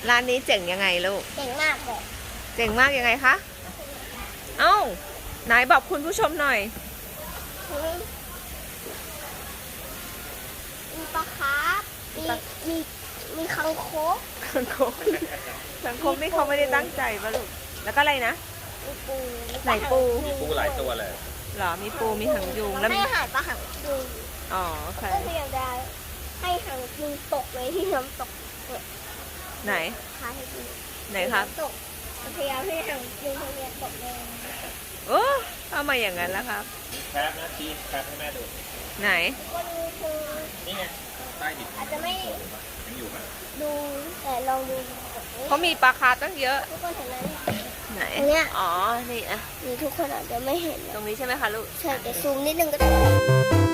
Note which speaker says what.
Speaker 1: ร้านนี้เจ๋งยังไงลูก
Speaker 2: เก่งมากเลย
Speaker 1: เจ๋งมากยังไงคะ เอ้าไหนบอกคุณผู้ชมหน่อย
Speaker 2: มีปลาคาร์ฟมีมีคังคก
Speaker 1: สังคมสังคมนี่เขาไม่ได้ตั้งใจป่ะลูก แล้วก็อะไรนะ
Speaker 2: มีปู
Speaker 1: ไหนปู
Speaker 3: มีปูหลายตัวเลย
Speaker 1: เหรอ มีปูมีหางยุงแล้ว
Speaker 2: ให้อาหารปลาหางยุง
Speaker 1: อ๋อโอเค
Speaker 2: ก็พยายามจะให้หางยุงตกเลยที่น้ำตก
Speaker 1: ไหน
Speaker 2: พาให้ดู
Speaker 1: ไหนครับ
Speaker 2: ตกพยายามให้หางยุงพยายามตกเลย
Speaker 1: โอ้เอามาอย่างนั้นแล้วครับ
Speaker 3: มีแคปนะชี้แคปให้แม่ดู
Speaker 1: ไหน
Speaker 2: วันนี้คือ
Speaker 3: นี่ไง ใต้ดิน
Speaker 2: อาจจะไม่
Speaker 3: ยังอยู่ไหม
Speaker 2: ดูแต่ลองดู
Speaker 1: เขามีปลาคาร์ฟตั้งเยอะ
Speaker 2: ทุกคนเห็นไหม
Speaker 1: ไหน
Speaker 2: อันเนี้ย
Speaker 1: อ๋อ นี่อะ
Speaker 2: นี่ทุกคนอาจจะไม่เห็น
Speaker 1: ต
Speaker 2: นะ
Speaker 1: รงนี้ใช่ไหมคะลูก
Speaker 2: ใช่แต่ซูมนิดนึงก็ได้